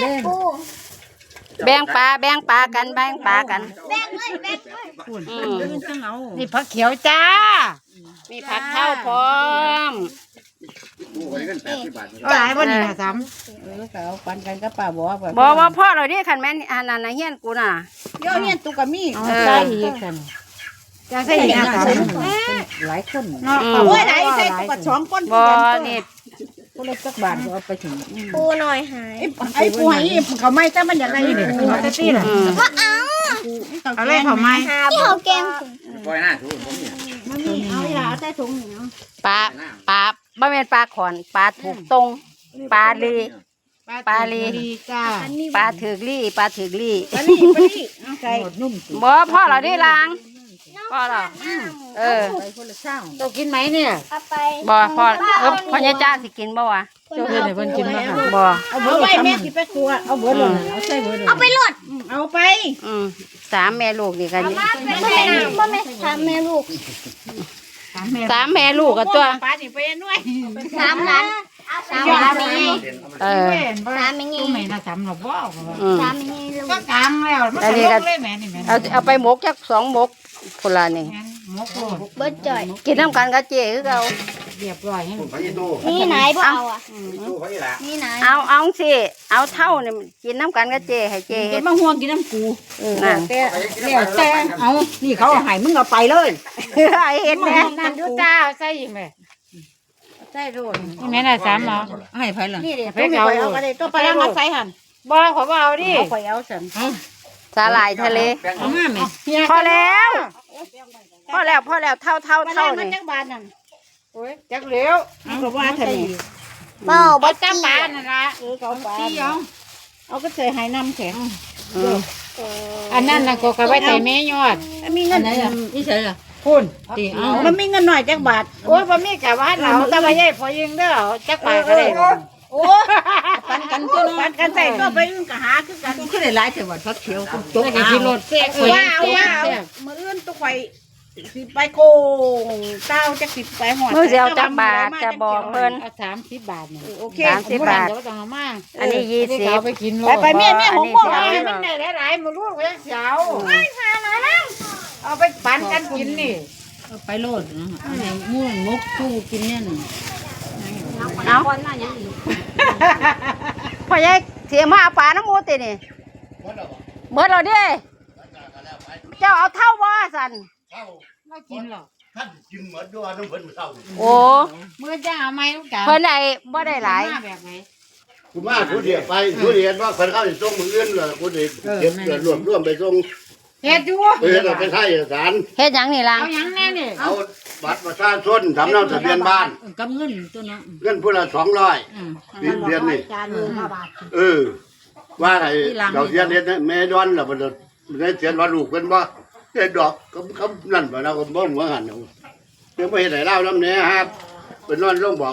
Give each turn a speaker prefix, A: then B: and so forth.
A: เล่น
B: แบ่งปลากันแบ่งปลากัน
A: แบ่งเลยนี่ผักเขียวจ้า
B: มีผักเท่าพร้อม
A: หลายวันนี้นะซ้ำเขาปันกันก็ป่าบอก
B: ว่าพ่อเราดิคันแม่นอันนั้นนะเฮียนกูน่ะ
A: เยอะเนี่ยตุกกะมีใส่อีกกันจะใส่อีกนะหลายคนเนาะโอ้ยไหนใส่ตุกกะ2คน
B: บ่นี่
A: คนละสักบาทเอาไปถึง
C: ปูหน่อยหาย
A: ไอ้ปูหายเขาไม่แต่มันอย่างไรนี่ปูแต่ตีน่ะ
C: ก็เอา
A: เอาเลยเขาไม่
C: ที่เขาแกง
D: ปล่อยหน้าถูกผมเนี่ย
A: มันมีเอาเวลาใส่ถุงเนาะ
B: ปลาบ่แม่นปลาขอนปลาถูกตรงปลาลี
A: จ้า
B: ปลาถือกลี่ปลาถือกลี่
A: ปลาลี่ใส่นุ่ม
B: บ่พ่อเราดิล้างพ่อเรา
A: ไปคนละช่างตัวกินไหมเนี่ย
C: เอาไป
B: บ่พ่อใหญ่จ้าสิกินบ่วะ
A: เจ้าเพื่อนให้เพิ่นกินมาค่ะ
B: บ่
A: เอาเบอร์ไว้แม่สิไปครัวเอาเบอร์เลยเอาใส่เบอร์เลย
C: เอาไปหลด
A: เอาไป
B: 3แม่ลูกนี่กัน
C: บ่แม่ทำแม่ลูก
B: 3แม่ลูกกันตัว
A: ปลานี่ไปด้วย
C: 3 ล้าน3 ล้านนี่
A: 3ไม่งี้ไม่น่าจำหรอกบ่
C: 3นี่ลูก
A: ก็กลางแล้วมันก็ลงเลยแม่นี่แม่
B: เอาไปหมกจัก2หมกคนละนี่
A: หมกโลด
C: เบิดจ่อย
B: กินน้ำกันกับเจ๊คือเก่า
A: เรียบร้อยให้
D: ผมพายี่ตู้
C: นี่ไหนบ่เอาอ่ะ
D: ตู้พายี่ละ
C: นี่ไหน
B: เอาสิเอาเท่านี่กินน้ำกันกับเจ๊ให้เจ๊
A: เห็
B: เฮ็
A: น
B: ด
A: มาห่วงกินน้ำกู
B: นั่น
A: แต่เอานี่เขาเอาให้มึงเอาไปเลย
B: ให้เฮ็ดแม่
A: นั่นดูจ้าใส่แม่ใส่โลดนี่แม่น่ะ3เอาให้ไผล่ะนี่ดิไปเอาก็ได้ตัวไปแล้วมาใส่หั่นบ่ขอบ่เอาดิเอาไปเอาซั่น
B: สาหร่ายทะเล
A: เอามาแม่
B: พอแล้วเท่านี่
A: จักบาทนั่นโอ้ยจักเหลวเอาก็ว่าซั่นนี่
C: บ่
A: บ่จักบาทนั่นล่ะเขาปลาเอาก็ใส่ให้น้ำแข็งอันนั้นน่ะก็ไว้ใส่แม่ยอดมีเงินนี่ใช่ล่ะคุณติเอามันมีเงินหน่อยจักบาทโอ้ยบ่มีกะว่าเราแต่ว่าใหญ่พอยิงเด้อจักบาทก็ได้โอ้ปันกันตัวปันกันใส่ก็ไปอื่นก็หาคือกันคือได้หลายแต่ว่าพักเขียวจกกินรถแซ่บว่ามื้ออื่นตัวข่อยสิไปโกงเต้าจักสิไปหอด
B: มื้อสิเอาจักบาทจะบอกเพิ่น
A: เอา30 บาทนี่โอเค
B: 30 บาท
A: ต้องเอามา
B: อันนี้20
A: เอาไปกินไปแม่ของพวกเราให้มันได้หลายๆมื้อลูกเว้ยเสียวเอาไปปั่นกันกินนี่ไปโลดนะม่วนมกสู้กินเนี่ย
B: เอาพ่อใหญ่เสียมาเอาปลาน้ำมูตินี่เบิดแล้วเด้เจ้าเอาเท่าบ่สั่น
A: ไม่กินหรอก
D: ท่านกินเหมือนด้วยน้ำเพิ่นเศร้า
B: โอ้
A: มื้อจ้าเอาไหมลูกจ๋า
B: เพิ่นได้บ่ได้หลาย
A: แบบไหน
D: คุณมาผู้เดียวไปผู้เดียวว่าคนเข้าส่งมืออื่นเหรอผู้เดียวเก็บรวมไปส่ง
A: เฮ็ดอยู่
D: เพื่อไปไทยเอกสาร
B: เฮ็ดหยังนี่ล่ะ
A: เอาหยังแน่นี่
D: เอาบัตรประชาชนสำเนาทะเบียนบ้าน
A: กับเงินตัวเนาะ
D: เงินผู้ละ200เดือนนี่ว่าไงเราเสียเดือนแม่ดอนเราบ่ได้เสียว่าลูกเพิ่นบ่ได้ดอกคำนั่นบ่นะผมบ่หัวหันเอาเดี๋ยวบ่เฮ็ดให้เล่านำแน่ครับเป็นนอนลงบอก